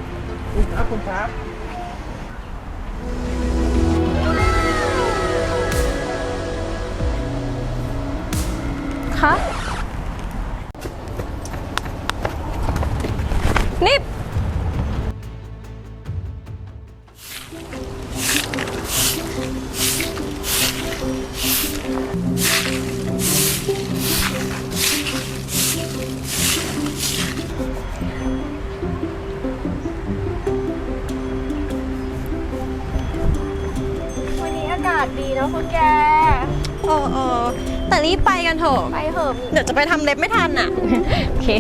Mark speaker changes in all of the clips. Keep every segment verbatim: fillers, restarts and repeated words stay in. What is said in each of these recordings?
Speaker 1: คุณครับคุณครับ
Speaker 2: คะนี่
Speaker 3: วันนี้อากาศดีเนาะคุณแก
Speaker 2: เออเออแต่รีบไปกันเถอะ
Speaker 3: ไปเถอะ
Speaker 2: เดี๋ยวจะไปทำเล็บไม่ทันอ่ะ โอเค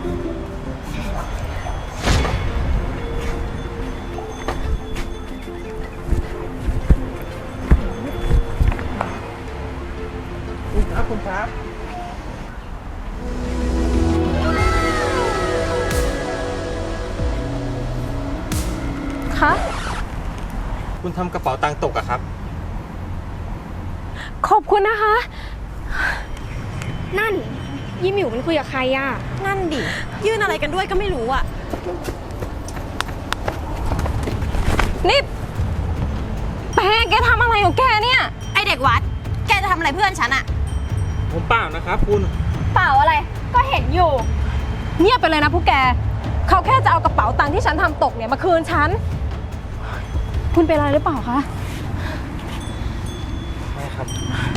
Speaker 1: คุณครับคุณครับ
Speaker 2: คะ
Speaker 1: คุณทำกระเป๋าตังค์ตกอะครับ
Speaker 2: ขอบคุณนะคะ
Speaker 3: นั่นยี่หมิวมันคุยกับใครอ่ะ
Speaker 2: นั่นดิ ยื่นอะไรกันด้วยก็ไม่รู้อ่ะ นี่แป้งแกทำอะไรของแกเนี่ย ไอเด็กวัด แกจะทำอะไรเพื่อนฉันอะ
Speaker 1: ผมเปล่านะครับคุณ
Speaker 3: เปล่าอะไร ก็เห็นอยู่
Speaker 2: เงียบไปเลยนะพวกแก เขาแค่จะเอากระเป๋าตังค์ที่ฉันทำตกเนี่ยมาคืนฉัน คุณเป็นอะไรหรือเปล่าคะ
Speaker 1: ไม่ครับ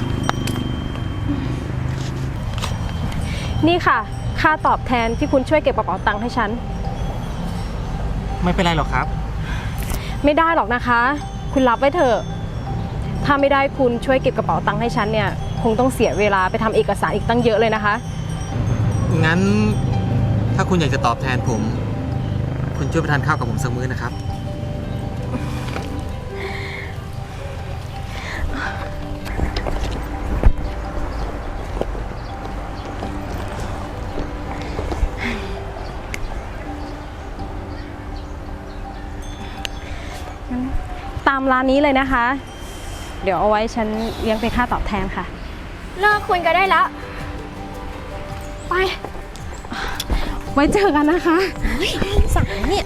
Speaker 2: นี่ค่ะ ค่าตอบแทนที่คุณช่วยเก็บกระเป๋าตังค์ให้ฉัน
Speaker 1: ไม่เป็นไรหรอกครับ
Speaker 2: ไม่ได้หรอกนะคะ คุณรับไว้เถอะ ถ้าไม่ได้คุณช่วยเก็บกระเป๋าตังค์ให้ฉันเนี่ย คงต้องเสียเวลาไปทำเอกสารอีกตั้งเยอะเลยนะคะ
Speaker 1: งั้นถ้าคุณอยากจะตอบแทนผม คุณช่วยไปทานข้าวกับผมสักมื้อนะครับ
Speaker 2: ตามร้านนี้เลยนะคะ เดี๋ยวเอาไว้ฉันเลี้ยงเป็นค่าตอบแทนค่ะ
Speaker 3: เลิกคุยกันได้แล้ว
Speaker 2: ไป ไว้เจอกันนะคะสั่งเนี่ย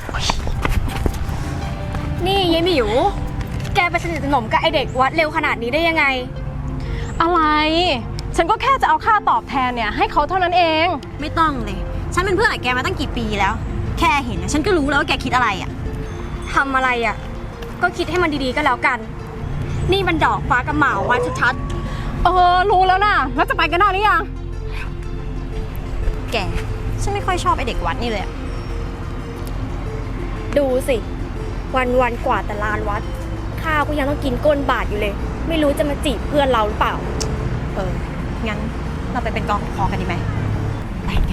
Speaker 3: นี่ยายหมิว แกไปสนิทสนมกับไอเด็กวัดเร็วขนาดนี้ได้ยังไง
Speaker 2: อะไร ฉันก็แค่จะเอาค่าตอบแทนเนี่ยให้เขาเท่านั้นเอง
Speaker 4: ไม่ต้องเลย ฉันเป็นเพื่อนกับแกมาตั้งกี่ปีแล้ว แค่เห็นนะฉันก็รู้แล้วว่าแกคิดอะไรอ่ะ
Speaker 3: ทำอะไรอ่ะ ก็คิดให้มันดีๆก็แล้วกัน นี่มันดอกฟ้ากับหมาวัดชัด
Speaker 2: เออ รู้แล้วนะแล้วจะไปกันได้หรือยัง
Speaker 4: แก ฉันไม่ค่อยชอบไอเด็กวัดนี่เลยอะ
Speaker 3: ๆ ดูสิ วันๆกว่าแต่ลานวัด ข้าวก็ยังต้องกินก้นบาทอยู่เลย ไม่รู้จะมาจีบเพื่อนเราหรือเปล่า
Speaker 4: เออ งั้นเราไปเป็นกองคอกันดีไหมไปแก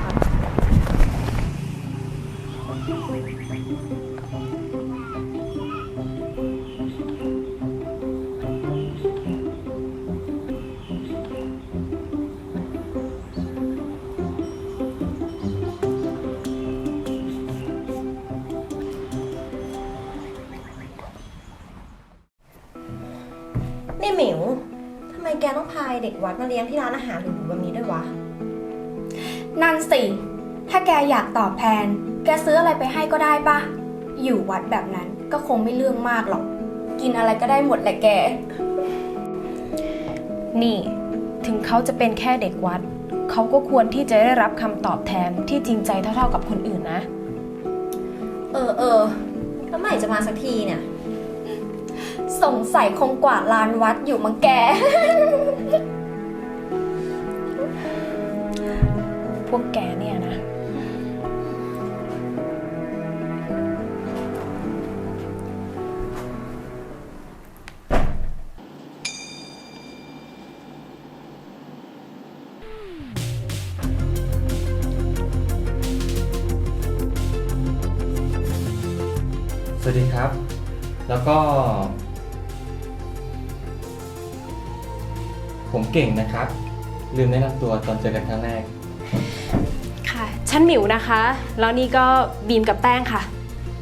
Speaker 4: นี่หมิว ทำไมแกต้องพาเด็กวัดมาเลี้ยงที่ร้านอาหารหรูๆแบบนี้ด้วยวะ
Speaker 3: นั่นสิ ถ้าแกอยากตอบแทน แกซื้ออะไรไปให้ก็ได้ปะ อยู่วัดแบบนั้นก็คงไม่เรื่องมากหรอก กินอะไรก็ได้หมดแหละแก
Speaker 2: นี่ ถึงเขาจะเป็นแค่เด็กวัด เขาก็ควรที่จะได้รับคำตอบแทนที่จริงใจเท่าๆกับคนอื่นนะ
Speaker 4: เออเออแล้วเมื่อไหร่จะมาสักทีเนี่ย
Speaker 3: สงสัยคงกวาดลานวัดอยู่มั้งแก
Speaker 2: พวกแกเนี่ยนะ
Speaker 1: สวัสดีครับ แล้วก็ ผมเก่งนะครับ ลืมแนะนำตัวตอนเจอกันครั้งแรก
Speaker 2: ค่ะ ฉันหมิวนะคะ แล้วนี่ก็บีมกับแป้งค่ะ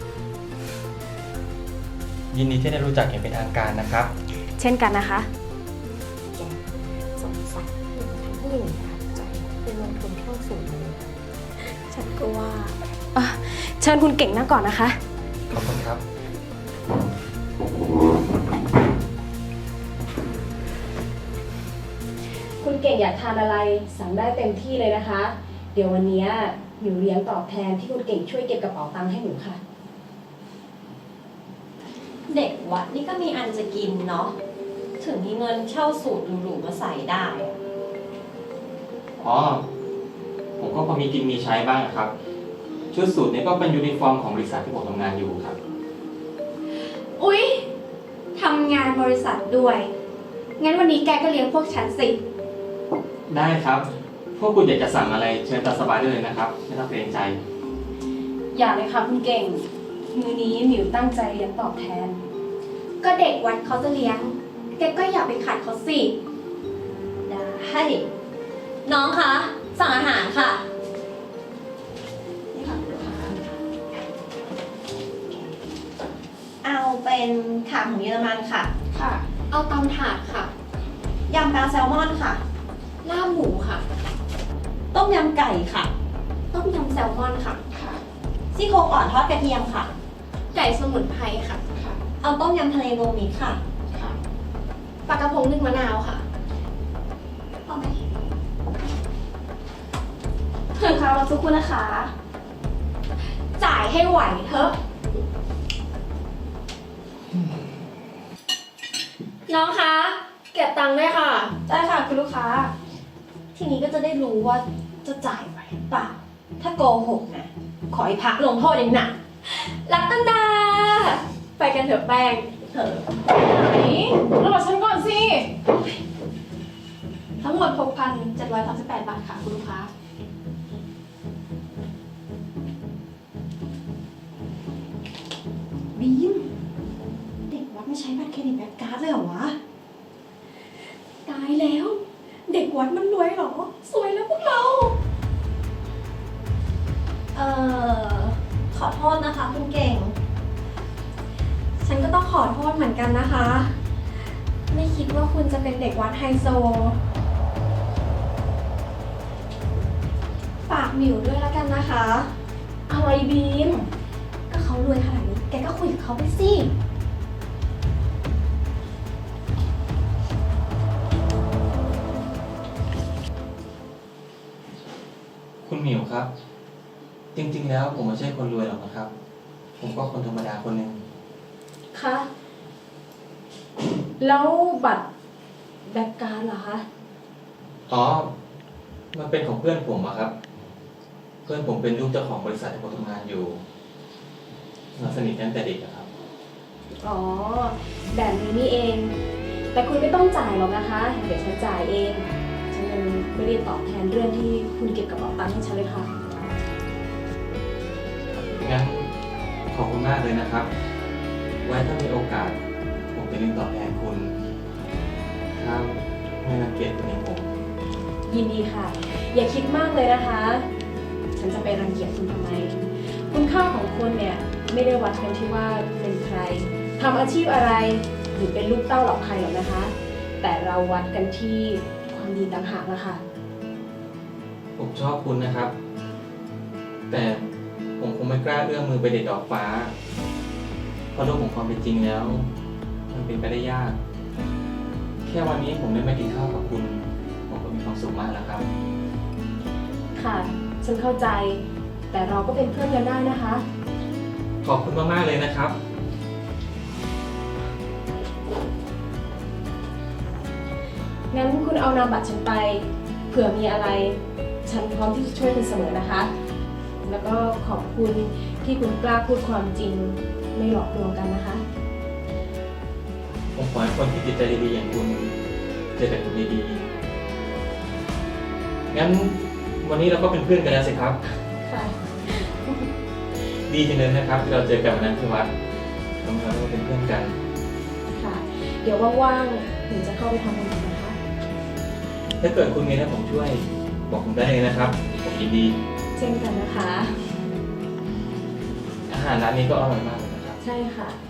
Speaker 1: ยินดีที่ได้รู้จักอย่างเป็นทางการนะครับ
Speaker 2: เช่นกันนะคะ
Speaker 4: สงสัยทำให้หญิงประทับใจเป็นลงทุนเท่าสูงเลยฉันก็ว่า
Speaker 2: อ่ะเชิญคุณเก่งนั่งก่อนนะคะ
Speaker 1: ขอบคุณครับ
Speaker 2: คุณเก่งอยากทานอะไรสั่งได้เต็มที่เลยนะคะ เดี๋ยววันนี้หนูเลี้ยงตอบแทนที่คุณเก่งช่วยเก็บกระเป๋าตังค์ให้หนูค่ะ
Speaker 5: เด็กวัดนี่ก็มีอันจะกินเนาะ ถึงมีเงินเช่าสูตรหรูๆมาใส่ได้อะ
Speaker 1: อ๋อ ผมก็พอมีกินมีใช้บ้างครับ ชุดสูทนี้ก็เป็นยูนิฟอร์มของบริษัทที่ผมทำงานอยู่ครับ
Speaker 3: อุ๊ยทำงานบริษัทด้วย งั้นวันนี้แกก็เลี้ยงพวกฉันสิ
Speaker 1: ได้ครับ พวกคุณอยากจะสั่งอะไรเชิญตามสบายได้เลยนะครับ ไม่ต้องเกรงใจ
Speaker 2: อย่าเลยค่ะคุณเก่ง มือนี้หมิวตั้งใจเลี้ยงตอบแทน
Speaker 3: ก็เด็กวัดเขาจะเลี้ยง แกก็อย่าไปขัดเขาสิ
Speaker 5: ได้น้องคะ สั่งอาหารค่ะ นี่ค่ะคุณลูกค้าเอาเป็นขาหมูเยอรมันค่ะ
Speaker 3: ค่ะ เอาตำถาดค่ะ
Speaker 5: ยำปลาแซลมอนค่ะ
Speaker 3: ลาบหมูค่ะ
Speaker 5: ต้มยำไก่ค่ะ
Speaker 3: ต้มยำแซลมอนค่ะ ค่ะ
Speaker 5: ซี่โครงอ่อนทอดกระเทียมค่ะ
Speaker 3: ไก่สมุนไพรค่ะ ค่ะ
Speaker 5: เอาต้มยำทะเลโรวมมิตรค่ะ
Speaker 3: ค่ะ ปลากระพงนึ่งมะนาวค่ะพอไหมถึงค่ะเราทุกคนนะคะ จ่ายให้ไหวเถอะ น้องคะ เก็บตังค์ด้วยค่ะ ได้ค่ะคุณลูกค้า
Speaker 5: ทีนี้ก็จะได้รู้ว่าจะจ่ายไหวหรือเปล่า ถ้าโกหกนะ ขอให้พักลงโทษอย่างหนัก
Speaker 3: รักกันดา ไปกันเถอะแป้ง
Speaker 5: เถอะ
Speaker 2: ไหนรอฉันก่อนสิ
Speaker 3: ทั้งหมด หกพันเจ็ดร้อยสามสิบแปด บาทค่ะคุณลูกค้า
Speaker 5: บีม เด็กวัดไม่ใช้บัตรเครดิตแบงก์การ์ดเลยเหรอวะ
Speaker 3: ตายแล้ว เด็กวัดมันรวยเหรอ สวยแล้วพวกเรา
Speaker 5: เอ่อ ขอโทษนะคะคุณเก่ง
Speaker 3: ฉันก็ต้องขอโทษเหมือนกันนะคะ ไม่คิดว่าคุณจะเป็นเด็กวัดไฮโซ ฝากหมิวด้วยแล้วกันนะคะ
Speaker 2: อะไรบีม
Speaker 3: ก็เขารวยขนาดนี้ แกก็คุยกับเขาไปสิ
Speaker 1: คุณหมิวครับ จริงๆแล้วผมไม่ใช่คนรวยหรอกนะครับ ผมก็คนธรรมดาคนหนึ่ง
Speaker 2: คะ แล้วบัตรแบกการดเหรอคะ
Speaker 1: อ๋อ มันเป็นของเพื่อนผมอะครับ เพื่อนผมเป็นลูกเจ้าของบริษัทที่ผมทำงานอยู่เราสนิทกันตั้งแต่เด็กอะครับ
Speaker 2: อ๋อ แบบนี้นี่เอง แต่คุณไม่ต้องจ่ายหรอกนะคะ เดี๋ยวฉันจ่ายเอง ฉันยังไม่ได้ตอบแทนเรื่องที่คุณเก็บกระเป๋าตังค์ให้ฉันเลยค่ะ
Speaker 1: งั้นขอบคุณมากเลยนะครับ ไว้ถ้ามีโอกาส ผมจะเลี้ยงตอบแทนคุณ ถ้าไม่รังเกียจคุณเองผม
Speaker 2: ยินดีค่ะ อย่าคิดมากเลยนะคะ ฉันจะไปรังเกียจคุณทำไม คุณค่าของคนเนี่ยไม่ได้วัดกันที่ว่าเป็นใครทำอาชีพอะไร หรือเป็นลูกเต้าเหล่าใครหรอกนะคะ แต่เราวัดกันที่ความดีต่างหากนะคะ
Speaker 1: ผมชอบคุณนะครับ แต่ผมคงไม่กล้าเอื้อมมือไปเด็ดดอกฟ้า เพราะโลกของความเป็นจริงแล้ว มันเป็นไปได้ยาก แค่วันนี้ผมได้มากินข้าวกับคุณ ผมก็มีความสุขมากแล้วครับ
Speaker 2: ค่ะ ฉันเข้าใจ แต่เราก็เป็นเพื่อนกันได้นะคะ
Speaker 1: ขอบคุณมากๆเลยนะครับ
Speaker 2: งั้นคุณเอานามบัตรฉันไป เผื่อมีอะไร ฉันพร้อมที่จะช่วยคุณเสมอนะคะ แล้วก็ขอบคุณที่คุณกล้าพูดความจริง ไม่หลอกลวงกันนะคะ
Speaker 1: ผมขอให้คนที่จิตใจดีๆอย่างคุณเจอแต่คนดีๆ งั้นวันนี้เราก็เป็นเพื่อนกันแล้วสิครับ
Speaker 2: ค่ะ
Speaker 1: ดีจังเลยนะครับที่เราเจอกันวันนั้นที่วัดทำให้เราได้เป็นเพื่อนกัน
Speaker 2: ค่ะ เดี๋ยวว่างๆหนูจะเข้าไปทำบุญกันนะคะ
Speaker 1: ถ้าเกิดคุณมีอะไรผมช่วย บอกผมได้เลยนะครับ ผมยินดี
Speaker 2: เช่นกันนะคะ
Speaker 1: อาหารร้านนี้ก็อร่อยมากเลยนะครับ
Speaker 2: ใช่ค่ะ